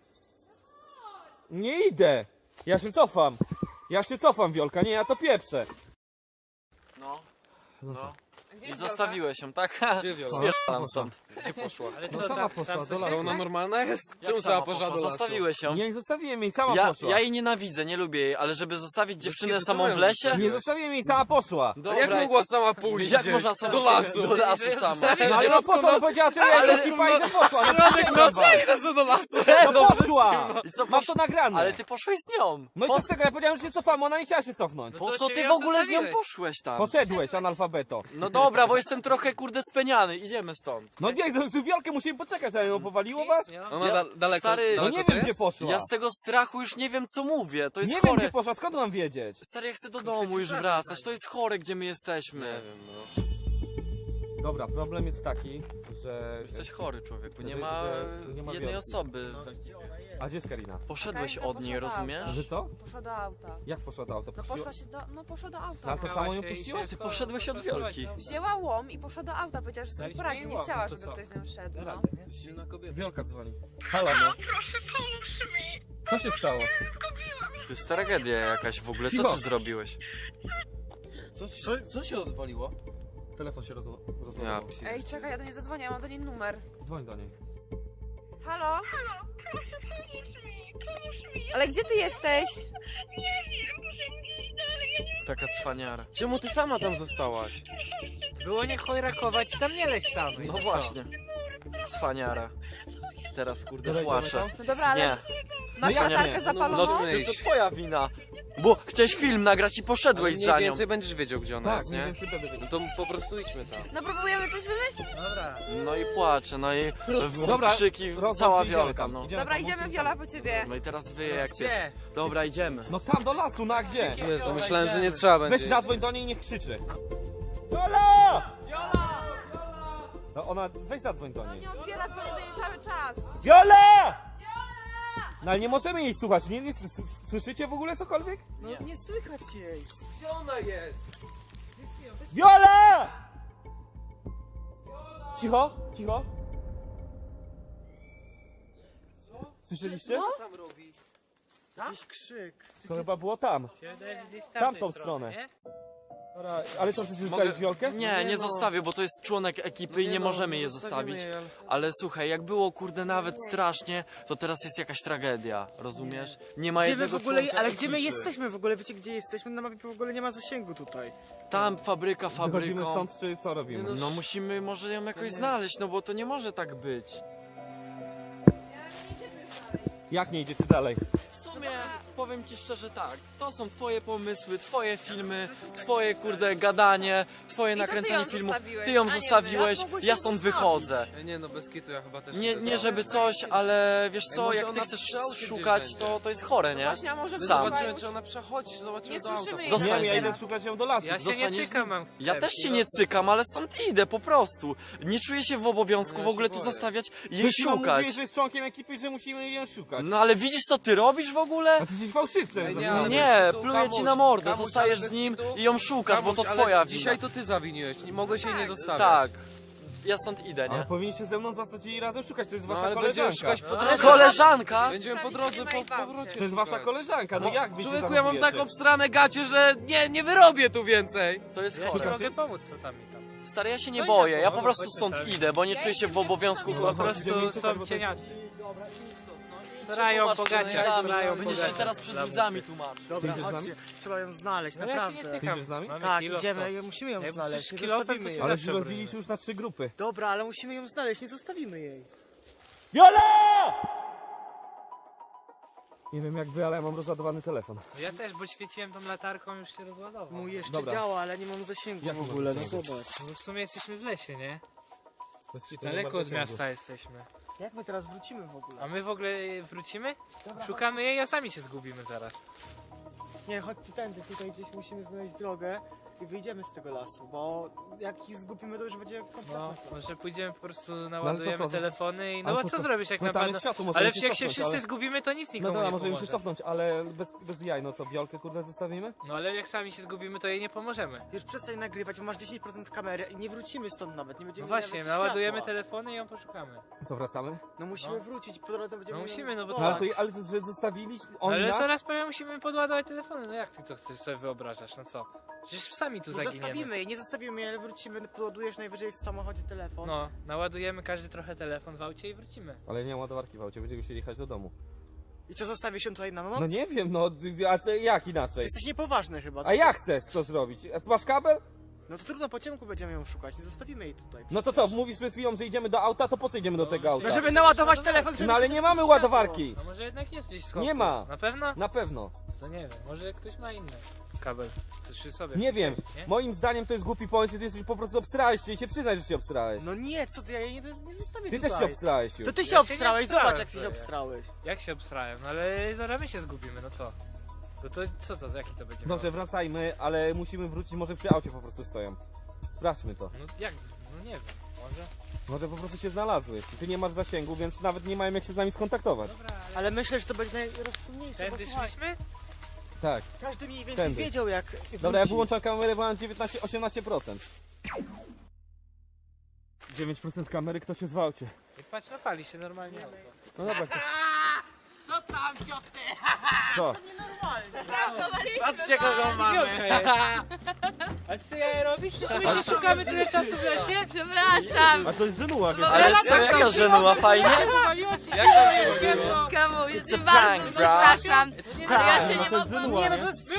Speaker 1: Nie idę! Ja się cofam! Ja się cofam, Wiolka, nie, ja to pieprzę!
Speaker 5: No, no.
Speaker 4: Gdzie
Speaker 5: I
Speaker 4: jest
Speaker 5: zostawiłeś ją, tak?
Speaker 10: Gdzie Wiola?
Speaker 5: Zwierzalam stąd.
Speaker 10: Gdzie poszła?
Speaker 4: Ale
Speaker 1: No
Speaker 4: co,
Speaker 1: sama
Speaker 4: tam,
Speaker 1: poszła
Speaker 4: tam
Speaker 1: do
Speaker 4: coś
Speaker 1: lasu.
Speaker 10: To ona normalna jest?
Speaker 5: Jak
Speaker 10: Czemu
Speaker 5: sama
Speaker 10: sama poszła do lasu?
Speaker 5: Zostawiłeś ją.
Speaker 1: Nie, nie zostawiłem jej, sama
Speaker 5: Ja,
Speaker 1: poszła.
Speaker 5: ja jej nienawidzę, nie lubię jej, ale żeby zostawić dziewczynę
Speaker 10: kiedy
Speaker 5: samą
Speaker 10: co
Speaker 5: w
Speaker 10: mają
Speaker 5: lesie?
Speaker 1: Nie zostawiłem jej, sama poszła!
Speaker 10: A jak mogła sama pójść
Speaker 5: Jak
Speaker 10: gdzieś?
Speaker 5: można sama
Speaker 10: Do lasu?
Speaker 5: Do lasu sama.
Speaker 1: No ale no poszła, no powiedziała, że ja ci pani, że poszła! no
Speaker 10: Środek
Speaker 1: to
Speaker 10: nocy
Speaker 1: dawaj.
Speaker 10: idę sobie do lasu!
Speaker 1: No poszła!
Speaker 5: I co,
Speaker 1: Mam
Speaker 5: posz...
Speaker 1: to nagrane!
Speaker 5: Ale ty poszłeś z nią.
Speaker 1: No i
Speaker 5: Po,
Speaker 1: co z tego, ja powiedziałem, że się cofamy, ona nie chciała się cofnąć.
Speaker 5: po
Speaker 4: to
Speaker 5: co
Speaker 4: cię
Speaker 5: ty
Speaker 4: ją
Speaker 5: w ogóle z nią
Speaker 4: zostawiłeś?
Speaker 5: poszłeś tam?
Speaker 1: Poszedłeś, analfabeto.
Speaker 5: No dobra, bo jestem trochę kurde speniany, idziemy stąd.
Speaker 1: No nie, no, tu Wiolkę musimy poczekać, ale no powaliło was?
Speaker 4: Nie,
Speaker 10: Ona
Speaker 5: Ja-
Speaker 10: da daleko,
Speaker 5: stary,
Speaker 1: No
Speaker 10: daleko
Speaker 1: nie
Speaker 10: to
Speaker 1: wiem,
Speaker 10: jest?
Speaker 1: gdzie poszła.
Speaker 5: Ja z tego strachu już nie wiem co mówię, to jest
Speaker 1: Nie wiem,
Speaker 5: chore.
Speaker 1: gdzie poszła, skąd mam wiedzieć?
Speaker 5: Stary, ja chcę do domu już wracać, to jest chore gdzie my jesteśmy.
Speaker 10: Nie wiem, no.
Speaker 1: Dobra, problem jest taki, że...
Speaker 5: Jesteś chory człowieku, nie
Speaker 1: Że-
Speaker 5: ma
Speaker 1: że nie ma
Speaker 5: jednej
Speaker 1: Wiolki.
Speaker 5: osoby.
Speaker 1: A gdzie jest Karina?
Speaker 5: Poszedłeś
Speaker 7: Karinka
Speaker 5: od niej,
Speaker 7: poszła do
Speaker 5: rozumiesz?
Speaker 7: auta.
Speaker 1: Że co?
Speaker 7: Poszła do auta.
Speaker 1: Jak poszła do auta?
Speaker 7: No
Speaker 1: Puściła-
Speaker 7: poszła się do, no poszła do auta.
Speaker 1: Ale to
Speaker 4: Zamknęła
Speaker 1: samo ją
Speaker 4: się i
Speaker 1: puściła?
Speaker 4: się
Speaker 1: Ty
Speaker 4: schowa-
Speaker 5: poszedłeś od
Speaker 4: poszła
Speaker 5: Wiolki.
Speaker 4: do-
Speaker 7: Wzięła łom i poszła do auta, powiedziała, że sobie
Speaker 4: Daliśmy
Speaker 7: poradzi.
Speaker 4: jej
Speaker 7: Nie
Speaker 4: łom,
Speaker 7: chciała,
Speaker 4: no to
Speaker 7: żeby
Speaker 4: co?
Speaker 7: ktoś z nią szedł.
Speaker 4: Da
Speaker 7: No.
Speaker 4: radę, nie?
Speaker 10: Silna kobieta.
Speaker 1: Wiolka dzwoni. Halo, no.
Speaker 3: Proszę, pomóż mi.
Speaker 1: Co się stało?
Speaker 3: Zgubiłam.
Speaker 5: To jest tragedia jakaś w ogóle, co
Speaker 1: Cicho.
Speaker 5: ty zrobiłeś?
Speaker 10: Co, co, co się odwaliło?
Speaker 1: Telefon się roz...
Speaker 10: Ja
Speaker 1: rozładował.
Speaker 7: Ej, czekaj, ja do niej zadzwonię, ja mam do niej numer.
Speaker 1: Dzwoń do niej.
Speaker 7: Halo?
Speaker 3: Halo, proszę, pomóż mi. Pomóż mi.
Speaker 7: Ale gdzie ty jesteś?
Speaker 3: Nie wiem, muszę iść dalej. Ja nie
Speaker 5: Taka cwaniara.
Speaker 10: Czemu ty sama tam zostałaś?
Speaker 4: Było nie chojrakować, tam nie leź samej.
Speaker 5: No
Speaker 4: co?
Speaker 5: właśnie. Cwaniara. Teraz kurde
Speaker 1: Dobra, idziemy
Speaker 5: płaczę.
Speaker 1: tam?
Speaker 7: No dobra, ale
Speaker 5: Nie.
Speaker 7: masz
Speaker 1: No jak
Speaker 7: latarkę
Speaker 1: nie?
Speaker 7: zapaloną?
Speaker 5: No to twoja wina. Bo chciałeś film nagrać i poszedłeś
Speaker 10: Mniej
Speaker 5: za nią.
Speaker 10: więcej będziesz wiedział, gdzie ona
Speaker 1: Tak,
Speaker 10: jest,
Speaker 1: mniej
Speaker 10: nie?
Speaker 1: więcej będę wiedział.
Speaker 10: No to po prostu idźmy tam.
Speaker 7: No próbujemy coś wymyślić?
Speaker 4: Dobra.
Speaker 5: No i płacze, no i w
Speaker 1: Dobra,
Speaker 5: krzyki,
Speaker 1: Rozłącz
Speaker 5: cała
Speaker 1: się, idziemy
Speaker 5: wiolka,
Speaker 1: tam,
Speaker 5: no.
Speaker 1: idziemy
Speaker 7: Dobra,
Speaker 1: tam,
Speaker 7: idziemy
Speaker 1: musimy
Speaker 7: Wiola
Speaker 1: tam.
Speaker 7: po ciebie.
Speaker 5: No i teraz wyje jak
Speaker 4: Gdzie?
Speaker 5: jest. Dobra, idziemy.
Speaker 1: No tam do lasu, na gdzie?
Speaker 10: Jezu, myślałem, że nie trzeba będzie.
Speaker 1: Weź zadzwoń do niej i niech krzyczy. Viola! No ona, weź zadzwoń do niej.
Speaker 7: Nie odbiera, dzwonię do niej cały czas.
Speaker 1: Viola! No ale nie możemy jej słuchać, nie, nie s- s- słyszycie w ogóle cokolwiek?
Speaker 9: No nie słychać jej.
Speaker 10: Gdzie ona jest?
Speaker 1: Viola! Cicho, cicho. Słyszeliście?
Speaker 10: Co tam robi?
Speaker 9: Jakiś krzyk.
Speaker 1: To chyba było tam.
Speaker 4: Się wydaje, że gdzieś
Speaker 1: Tamtą
Speaker 4: tamtej
Speaker 1: stronę.
Speaker 4: nie?
Speaker 1: Dobra, ale co, chcesz zostawić Wiolkę?
Speaker 5: Nie, nie
Speaker 10: no.
Speaker 5: zostawię, bo to jest członek ekipy i nie
Speaker 10: no,
Speaker 5: możemy
Speaker 10: nie
Speaker 5: jej
Speaker 10: zostawimy
Speaker 5: zostawić.
Speaker 10: jej, ale-
Speaker 5: Ale słuchaj, jak było kurde nawet strasznie, to teraz jest jakaś tragedia, rozumiesz? Nie ma
Speaker 9: Gdzie my
Speaker 5: jednego
Speaker 9: w ogóle,
Speaker 5: członka
Speaker 9: ale gdzie my
Speaker 5: ekipy.
Speaker 9: jesteśmy w ogóle? Wiecie gdzie jesteśmy? Na mapie w ogóle nie ma zasięgu tutaj.
Speaker 5: Tam fabryka
Speaker 1: Wychodzimy
Speaker 5: fabryką.
Speaker 1: stąd, czy co robimy?
Speaker 5: No musimy może ją jakoś znaleźć, no bo to nie może tak być.
Speaker 1: Jak nie idziecie dalej?
Speaker 5: W sumie powiem ci szczerze tak, to są twoje pomysły, twoje filmy, twoje kurde gadanie, twoje
Speaker 7: I to ty
Speaker 5: nakręcanie
Speaker 7: ją
Speaker 5: filmów.
Speaker 7: zostawiłeś,
Speaker 5: Ty ją
Speaker 7: a nie my.
Speaker 5: zostawiłeś,
Speaker 9: Jak mogłeś
Speaker 5: ja
Speaker 9: ją
Speaker 5: stąd
Speaker 9: zostawić?
Speaker 5: wychodzę.
Speaker 10: E, Nie no, bez kitu, ja chyba też
Speaker 5: Nie,
Speaker 10: idę
Speaker 5: nie
Speaker 10: tam.
Speaker 5: żeby coś, ale wiesz co,
Speaker 10: może
Speaker 5: jak ty
Speaker 10: ona
Speaker 5: chcesz
Speaker 10: przy aucie gdzieś
Speaker 5: szukać,
Speaker 10: będzie.
Speaker 5: to, to jest chore, nie?
Speaker 7: Właśnie, a może
Speaker 10: My
Speaker 5: Sam.
Speaker 10: zobaczymy, czy ona przechodzi, zobaczymy
Speaker 7: Nie
Speaker 10: do auta.
Speaker 7: słyszymy jej.
Speaker 5: Zostań
Speaker 1: Nie wiem, ja
Speaker 5: z nim.
Speaker 1: idę szukać ją do lasu.
Speaker 4: Ja się
Speaker 5: Zostaniesz
Speaker 4: nie
Speaker 5: z
Speaker 4: cykam, mam
Speaker 5: Ja
Speaker 4: chleb.
Speaker 5: też się nie cykam, ale stąd idę po prostu. Nie czuję się w obowiązku
Speaker 10: Ja
Speaker 5: w ogóle
Speaker 10: się
Speaker 5: tu
Speaker 10: boję.
Speaker 5: zostawiać i jej
Speaker 1: Przed chwilą
Speaker 5: szukać.
Speaker 1: mówiłeś, że jest członkiem ekipy i że musimy ją szukać.
Speaker 5: No ale widzisz co ty robisz w ogóle?
Speaker 1: A ty jesteś fałszywcem.
Speaker 10: Ej, nie,
Speaker 1: zapomniałem.
Speaker 10: ale
Speaker 5: Nie,
Speaker 10: bez kitu,
Speaker 5: pluję ci
Speaker 10: Kamuś,
Speaker 5: na mordę,
Speaker 10: Kamuś,
Speaker 5: zostajesz
Speaker 10: ale bez
Speaker 5: z nim
Speaker 10: kitu.
Speaker 5: i ją szukasz, bo to
Speaker 10: Kamuś,
Speaker 5: twoja
Speaker 10: ale
Speaker 5: wina.
Speaker 10: dzisiaj to ty zawiniłeś, nie mogłeś jej nie zostawiać.
Speaker 5: Tak, ja stąd idę,
Speaker 1: Ale
Speaker 5: nie?
Speaker 1: powinniście ze mną zostać i razem szukać, to jest
Speaker 10: No
Speaker 1: wasza
Speaker 10: ale będziemy
Speaker 1: koleżanka.
Speaker 10: szukać po
Speaker 4: No,
Speaker 10: drodze.
Speaker 5: Koleżanka?
Speaker 10: Będziemy po drodze po powrocie
Speaker 1: To jest wasza
Speaker 10: szukać.
Speaker 1: koleżanka, no jak wy się
Speaker 10: Człowieku, ja mam
Speaker 1: zachowujecie?
Speaker 10: tak obstrane gacie, że nie, nie wyrobię tu więcej.
Speaker 5: To jest
Speaker 4: Ja ci
Speaker 5: chore.
Speaker 4: mogę pomóc, co tam i tam.
Speaker 5: Stary, ja się nie
Speaker 4: No i
Speaker 5: boję,
Speaker 4: tak,
Speaker 5: ja
Speaker 4: no,
Speaker 5: po prostu
Speaker 4: chodźmy
Speaker 5: stąd
Speaker 4: sobie.
Speaker 5: idę, bo nie czuję się w obowiązku.
Speaker 4: Po prostu są cieniacy. Srają bogacie, srają
Speaker 5: Będziesz się
Speaker 4: bogacie.
Speaker 5: teraz przed
Speaker 4: Dla
Speaker 5: widzami tłumaczyć.
Speaker 9: Dobra,
Speaker 1: idziesz z nami?
Speaker 9: chodźcie. Trzeba ją znaleźć,
Speaker 4: No ja się nie
Speaker 9: naprawdę.
Speaker 4: cykam.
Speaker 1: Idziesz z nami?
Speaker 4: Mamy
Speaker 9: Tak,
Speaker 4: kilo,
Speaker 9: idziemy,
Speaker 4: co?
Speaker 9: musimy ją
Speaker 4: Jak
Speaker 9: znaleźć.
Speaker 4: przecież
Speaker 9: Nie
Speaker 4: kilofem,
Speaker 9: zostawimy
Speaker 4: to się
Speaker 9: jej.
Speaker 1: Ale
Speaker 4: zawsze
Speaker 1: się
Speaker 4: broni.
Speaker 1: rozdzieliliśmy już na trzy grupy.
Speaker 9: Dobra, ale musimy ją znaleźć, nie zostawimy jej.
Speaker 1: Viola! Nie wiem jak wy, ale ja mam rozładowany telefon.
Speaker 4: No ja też, bo świeciłem tą latarką, już się rozładował.
Speaker 9: Mój jeszcze
Speaker 1: Dobra.
Speaker 9: działa, ale nie mam zasięgu
Speaker 1: Jak
Speaker 9: w
Speaker 1: nie masz
Speaker 9: ogóle, no
Speaker 1: zasięgu?
Speaker 9: zobacz.
Speaker 4: No w sumie jesteśmy w lesie, nie?
Speaker 1: Bez kitu nie
Speaker 4: Daleko
Speaker 1: ma
Speaker 4: od
Speaker 1: zasięgu.
Speaker 4: miasta jesteśmy.
Speaker 9: Jak my teraz wrócimy w ogóle?
Speaker 4: A my w ogóle wrócimy? Szukamy jej, a sami się zgubimy zaraz.
Speaker 9: Nie, chodźcie tędy, tutaj gdzieś musimy znaleźć drogę i wyjdziemy z tego lasu, bo jak ich zgubimy, to już będzie kompletnie.
Speaker 4: No, może pójdziemy po prostu, naładujemy
Speaker 1: co, z-
Speaker 4: telefony i... No
Speaker 1: ale
Speaker 4: bo
Speaker 1: to
Speaker 4: co
Speaker 1: co?
Speaker 4: zrobisz jak
Speaker 1: No tam
Speaker 4: napadną?
Speaker 1: jest światło, możemy
Speaker 4: Ale
Speaker 1: się
Speaker 4: jak się
Speaker 1: cofnąć,
Speaker 4: wszyscy
Speaker 1: ale-
Speaker 4: zgubimy, to nic
Speaker 1: No
Speaker 4: nikomu
Speaker 1: dobra,
Speaker 4: nie
Speaker 1: możemy się
Speaker 4: pomoże.
Speaker 1: cofnąć, ale bez, bez jaj, no co, Wiolkę kurde zostawimy?
Speaker 4: No ale jak sami się zgubimy, to jej nie pomożemy.
Speaker 9: Już przestań nagrywać, bo masz dziesięć procent kamery i nie wrócimy stąd nawet, nie
Speaker 4: No
Speaker 9: będziemy
Speaker 4: właśnie,
Speaker 9: mieli
Speaker 4: naładujemy
Speaker 9: światła.
Speaker 4: telefony i ją poszukamy.
Speaker 1: Co, wracamy?
Speaker 9: No musimy
Speaker 4: No.
Speaker 9: wrócić, po drodze będziemy...
Speaker 4: No musimy, no bo
Speaker 1: No,
Speaker 4: co?
Speaker 1: ale, to, ale to, że zostawiliście
Speaker 4: No
Speaker 1: oni
Speaker 4: ale
Speaker 1: nas?
Speaker 4: zaraz powiem, musimy podładować telefony, no jak ty to chcesz sobie wyobrażasz, no co? Przecież sami tu
Speaker 9: No
Speaker 4: zaginiemy.
Speaker 9: zostawimy jej, nie zostawimy jej, ale wrócimy, podładujesz najwyżej w samochodzie telefon.
Speaker 4: No, naładujemy każdy trochę telefon w aucie i wrócimy.
Speaker 1: Ale nie ma ładowarki w aucie, będziemy musieli jechać do domu.
Speaker 9: I co, zostawisz ją tutaj na noc?
Speaker 1: No nie wiem, no, a co, jak
Speaker 9: Ty
Speaker 1: inaczej?
Speaker 9: jesteś niepoważny chyba.
Speaker 1: A jak chcesz to zrobić? A ty masz kabel?
Speaker 9: No to trudno, po ciemku będziemy ją szukać, nie zostawimy jej tutaj.
Speaker 1: No to co, mówisz przed chwilą, że idziemy do auta, to po co idziemy do tego auta?
Speaker 9: No żeby naładować telefon, żeby
Speaker 1: No ale nie mamy ładowarki!
Speaker 4: No może jednak jest gdzieś schowku.
Speaker 1: Nie ma.
Speaker 4: Na pewno?
Speaker 1: Na pewno.
Speaker 4: To nie wiem, może ktoś ma inny kabel. To przy sobie.
Speaker 1: Nie wiem.
Speaker 4: Nie?
Speaker 1: Moim zdaniem to jest głupi pomysł i ty jesteś po prostu obsrałeś się i się przyznaj, że się obsrałeś.
Speaker 9: No nie, co ty, ja jej nie, nie zostawię
Speaker 1: Ty
Speaker 9: tutaj.
Speaker 1: też się obsrałeś już.
Speaker 9: To ty się
Speaker 4: Ja się nie
Speaker 9: obstrałeś,
Speaker 4: obstrałem
Speaker 9: zobacz jak ty się
Speaker 4: sobie.
Speaker 9: obstrałeś.
Speaker 4: Jak się obstrałem? No ale zaraz my się zgubimy, no co? No to co to, jaki to będzie
Speaker 1: Dobrze,
Speaker 4: los?
Speaker 1: wracajmy, ale musimy wrócić, może przy aucie po prostu stoją. Sprawdźmy to.
Speaker 4: No jak? No nie wiem, może?
Speaker 1: Może po prostu się znalazły. Ty nie masz zasięgu, więc nawet nie mają jak się z nami skontaktować.
Speaker 4: Dobra, ale...
Speaker 9: Ale myślę, że to będzie najrozsądniejsze, bo
Speaker 4: Tędy
Speaker 9: słuchaj,
Speaker 4: szliśmy?
Speaker 1: Tak.
Speaker 9: każdy mniej więcej
Speaker 1: Tędy.
Speaker 9: wiedział jak
Speaker 1: Dobra, ja
Speaker 9: wrócić.
Speaker 1: wyłączam kamerę, bo mam dziewiętnaście osiemnaście procent. dziewięć procent kamery, kto się zwałcie.
Speaker 4: I patrz, napali się normalnie auto.
Speaker 1: No dobra. To...
Speaker 9: Co tam, cioty?
Speaker 1: Co?
Speaker 9: Patrzcie kogo mamy.
Speaker 4: A ty ja robisz? Przecież my cię szukamy tyle czasu w lesie?
Speaker 2: Przepraszam.
Speaker 1: A to jest żenuła, wiesz?
Speaker 5: Ale co, jaka żenuła, fajnie?
Speaker 4: Wywaliło ci się, jak tam się robiło?
Speaker 2: Kamu, ja
Speaker 5: It's
Speaker 2: cię
Speaker 5: a
Speaker 2: bardzo
Speaker 5: prank, bro.
Speaker 2: przepraszam.
Speaker 4: Nie
Speaker 2: Ale ja się
Speaker 1: No
Speaker 2: nie
Speaker 1: to jest
Speaker 2: mogłam...
Speaker 1: żenuła,
Speaker 9: Nie, no
Speaker 1: nie?
Speaker 9: to jest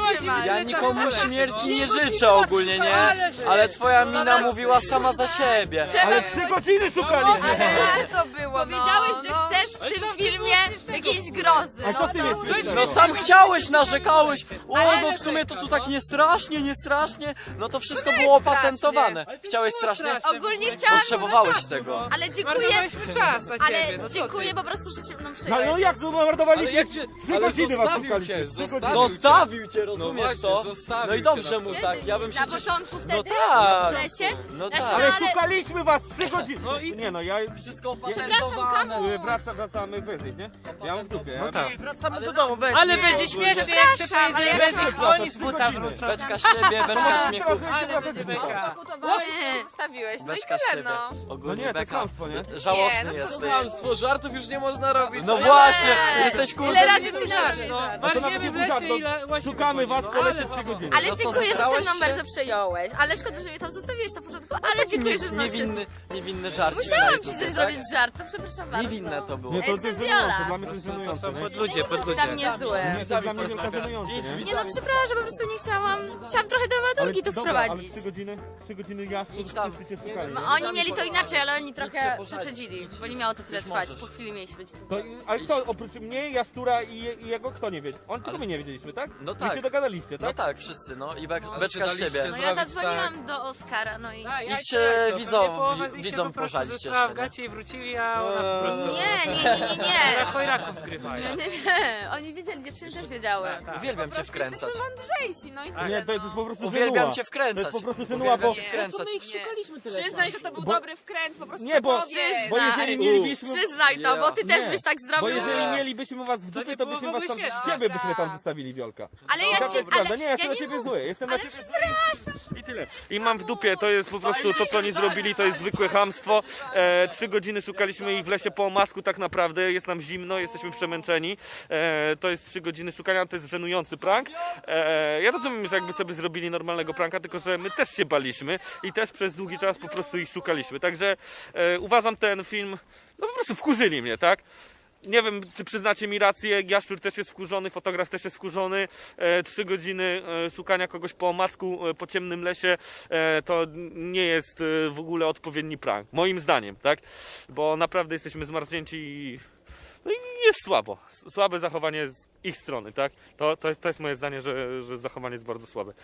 Speaker 2: wytrzymać.
Speaker 5: Ja
Speaker 4: Ile
Speaker 5: nikomu
Speaker 4: czasu poleci,
Speaker 5: śmierci
Speaker 4: no?
Speaker 5: nie życzę ogólnie, nie? Ale twoja mina mówiła sama za siebie.
Speaker 1: Ale trzy godziny szukaliśmy!
Speaker 6: to było,
Speaker 2: Powiedziałeś,
Speaker 6: no,
Speaker 2: że
Speaker 6: no.
Speaker 2: chcesz w tym filmie jakiejś grozy.
Speaker 1: A co ty
Speaker 2: no
Speaker 1: wiesz?
Speaker 2: to...
Speaker 1: Coś-
Speaker 5: No sam chciałeś, narzekałeś. O, no w sumie to tu tak nie strasznie, nie strasznie. No to wszystko było opatentowane. Chciałeś strasznie?
Speaker 2: Ogólnie chciałam...
Speaker 5: Potrzebowałeś tego.
Speaker 2: Ale dziękuję,
Speaker 4: Marnowaliśmy czas na ciebie,
Speaker 2: ale
Speaker 4: no co
Speaker 2: dziękuję
Speaker 4: ty?
Speaker 2: po prostu, że się mną
Speaker 1: No,
Speaker 2: przyjąłeś.
Speaker 1: no jak, no mordowaliśmy
Speaker 10: Ale jak cię-
Speaker 1: trzy
Speaker 10: ale
Speaker 1: godziny was
Speaker 10: zostawił
Speaker 1: szukaliśmy.
Speaker 10: cię,
Speaker 1: trzy
Speaker 10: zostawił
Speaker 1: godziny.
Speaker 5: Zostawił cię,
Speaker 10: No
Speaker 5: rozumiesz
Speaker 10: właśnie,
Speaker 5: to?
Speaker 10: zostawił
Speaker 5: No i
Speaker 10: cię
Speaker 5: dobrze
Speaker 10: na
Speaker 5: mu
Speaker 2: Kiedy?
Speaker 5: tak, ja bym
Speaker 2: Na
Speaker 5: przecież...
Speaker 2: początku wtedy?
Speaker 5: No tak.
Speaker 2: W lesie?
Speaker 5: No
Speaker 2: Znaczy,
Speaker 5: tak.
Speaker 1: Ale
Speaker 2: ale-
Speaker 1: szukaliśmy was trzy godziny!
Speaker 4: No i-
Speaker 1: Nie no, ja...
Speaker 5: Wszystko
Speaker 2: Przepraszam,
Speaker 5: opatentowane.
Speaker 2: kamu.
Speaker 1: Wraca, wracamy wyżej, nie? Ja mam w dupie.
Speaker 4: No tak.
Speaker 9: Wracamy do domu, bez
Speaker 4: Ale będzie śmiesznie, jak się
Speaker 2: Przepraszam, ale
Speaker 4: pojedzie
Speaker 2: ja
Speaker 4: bez
Speaker 2: się-
Speaker 4: nich, oni z buta wrócą.
Speaker 5: Beczka z siebie, beczka śmiechu.
Speaker 4: Ale będzie beka.
Speaker 2: Nie.
Speaker 6: Zostawiłeś, no i
Speaker 5: Beczka z
Speaker 6: tyle,
Speaker 5: siebie.
Speaker 6: no.
Speaker 1: No
Speaker 5: Ogólnie
Speaker 1: nie, to
Speaker 5: beka.
Speaker 1: kłamstwo, nie?
Speaker 5: Żałosny
Speaker 6: Nie, no co
Speaker 5: jesteś.
Speaker 10: Kłamstwo, żartów już nie można robić.
Speaker 5: No właśnie, jesteś
Speaker 2: Ile
Speaker 5: kurde...
Speaker 2: razy
Speaker 4: Nie
Speaker 2: ty
Speaker 4: był
Speaker 2: nasz
Speaker 4: żart, no. Marzymy w lesie i la- łazimy
Speaker 1: Szukamy
Speaker 4: po
Speaker 1: was
Speaker 4: nim,
Speaker 1: po
Speaker 4: no,
Speaker 1: lesie
Speaker 4: ale
Speaker 1: trzy
Speaker 4: babo.
Speaker 1: godziny.
Speaker 2: Ale
Speaker 5: No co,
Speaker 2: dziękuję, że się
Speaker 5: zesrałeś
Speaker 2: mną
Speaker 5: się?
Speaker 2: bardzo przejąłeś. Ale szkoda, że mnie tam zostawiłeś na początku, ale dziękuję, że mną się...
Speaker 5: Niewinny, niewinny żart.
Speaker 2: Musiałam ci coś zrobić żart, to przepraszam bardzo.
Speaker 5: Niewinne to było.
Speaker 1: Nie, to
Speaker 2: Jestem
Speaker 1: jest
Speaker 2: Viola.
Speaker 1: żenujące, dla mnie to jest
Speaker 4: To
Speaker 1: żenujące,
Speaker 4: są
Speaker 1: nie?
Speaker 4: podludzie,
Speaker 2: Dla
Speaker 4: podludzie.
Speaker 2: mnie złe.
Speaker 1: Nie, to dla mnie wielka żenujące, nie?
Speaker 2: Nie no, przepraszam, po prostu nie chciałam... Chciałam trochę dramaturgii tu
Speaker 1: dobra, ale
Speaker 2: wprowadzić.
Speaker 1: trzy godziny, trzy godziny jaszczur,
Speaker 5: Idź tam.
Speaker 1: wszyscy cię szukali.
Speaker 2: No,
Speaker 1: nie?
Speaker 2: oni mieli to inaczej, ale oni trochę
Speaker 5: posadzić.
Speaker 2: przesadzili, bo nie miało to tyle
Speaker 5: Już
Speaker 2: trwać.
Speaker 5: możesz.
Speaker 2: Po chwili mieliśmy być tu.
Speaker 1: To, ale kto, oprócz mnie, Jaszczura i, i jego, kto nie wiedział? On tylko my nie wiedzieliśmy, tak?
Speaker 5: No
Speaker 1: Wy
Speaker 5: tak.
Speaker 1: się dogadaliście,
Speaker 5: No
Speaker 1: tak?
Speaker 5: tak, wszyscy, no i bek,
Speaker 10: Ale
Speaker 5: beczka z
Speaker 10: czy daliście
Speaker 5: siebie.
Speaker 2: No ja
Speaker 10: zrobić
Speaker 2: zadzwoniłam do Oskara, no i...
Speaker 4: Tak, ja
Speaker 5: Idźcie
Speaker 4: tak, to
Speaker 5: widzom-
Speaker 4: pewnie połowa z nich się
Speaker 5: widzom
Speaker 4: po prostu
Speaker 5: pożalić
Speaker 4: zesrała
Speaker 5: jeszcze,
Speaker 4: w
Speaker 5: nie?
Speaker 4: gacie i wrócili, a ona po prostu...
Speaker 2: Nie, nie, nie, nie, nie.
Speaker 4: Na chojraków zgrywają.
Speaker 2: Nie, nie, nie. Oni wiedzieli, dziewczyny też wiedziały.
Speaker 4: Tak.
Speaker 5: Uwielbiam cię wkręcać.
Speaker 6: Jesteśmy mądrzejsi, no i tyle,
Speaker 1: Nie, to jest
Speaker 6: no.
Speaker 1: po prostu
Speaker 5: Uwielbiam
Speaker 1: żenuła.
Speaker 5: cię
Speaker 1: To
Speaker 5: wkręcać.
Speaker 1: jest po prostu żenuła, bo...
Speaker 5: Uwielbiam cię wkręcać.
Speaker 9: szukaliśmy tyle
Speaker 6: Przyznaj, że to był
Speaker 1: Bo-
Speaker 6: dobry wkręt, po prostu
Speaker 1: Nie, bo,
Speaker 6: powiedz.
Speaker 1: bo jeżeli mielibyśmy...
Speaker 2: Przyznaj to, bo ty też
Speaker 1: Nie,
Speaker 2: byś tak
Speaker 1: Bo
Speaker 2: zrobił.
Speaker 1: jeżeli mielibyśmy was w
Speaker 4: To
Speaker 1: dupie,
Speaker 4: nie
Speaker 1: to
Speaker 4: było
Speaker 1: byśmy
Speaker 4: w ogóle
Speaker 1: was tam...
Speaker 4: śmieszne.
Speaker 1: Ciebie byśmy tam zostawili, Wiolka.
Speaker 2: Ale ja
Speaker 1: To
Speaker 2: ci...
Speaker 1: jest prawda,
Speaker 2: Ale
Speaker 1: nie, ja jestem
Speaker 2: ja
Speaker 1: na
Speaker 2: nie
Speaker 1: ciebie
Speaker 2: mów-
Speaker 1: zły, jestem na
Speaker 2: Ale
Speaker 1: ciebie zły. I tyle. I mam w dupie, to jest po prostu to, co oni zrobili, to jest zwykłe chamstwo. E, trzy godziny szukaliśmy ich w lesie po omacku tak naprawdę, jest nam zimno, jesteśmy przemęczeni. E, to jest trzy godziny szukania, to jest żenujący prank. E, ja rozumiem, że jakby sobie zrobili normalnego pranka, tylko że my też się baliśmy i też przez długi czas po prostu ich szukaliśmy. Także e, uważam ten film, no po prostu wkurzyli mnie, tak? Nie wiem, czy przyznacie mi rację, Jaszczur też jest wkurzony, fotograf też jest wkurzony. E, trzy godziny e, szukania kogoś po omacku, e, po ciemnym lesie, e, to nie jest e, w ogóle odpowiedni prank, moim zdaniem, tak? Bo naprawdę jesteśmy zmarznięci i, no i jest słabo. S- Słabe zachowanie z ich strony, tak? To, to, jest, to jest moje zdanie, że, że zachowanie jest bardzo słabe.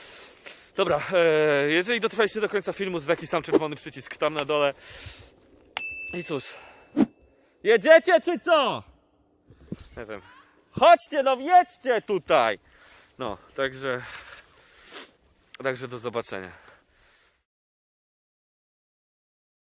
Speaker 1: Dobra, e, jeżeli dotrwaliście do końca filmu, to taki sam czerwony przycisk tam na dole. I cóż... Jedziecie czy co? Nie wiem. Chodźcie, no jedźcie tutaj! No, także... Także do zobaczenia.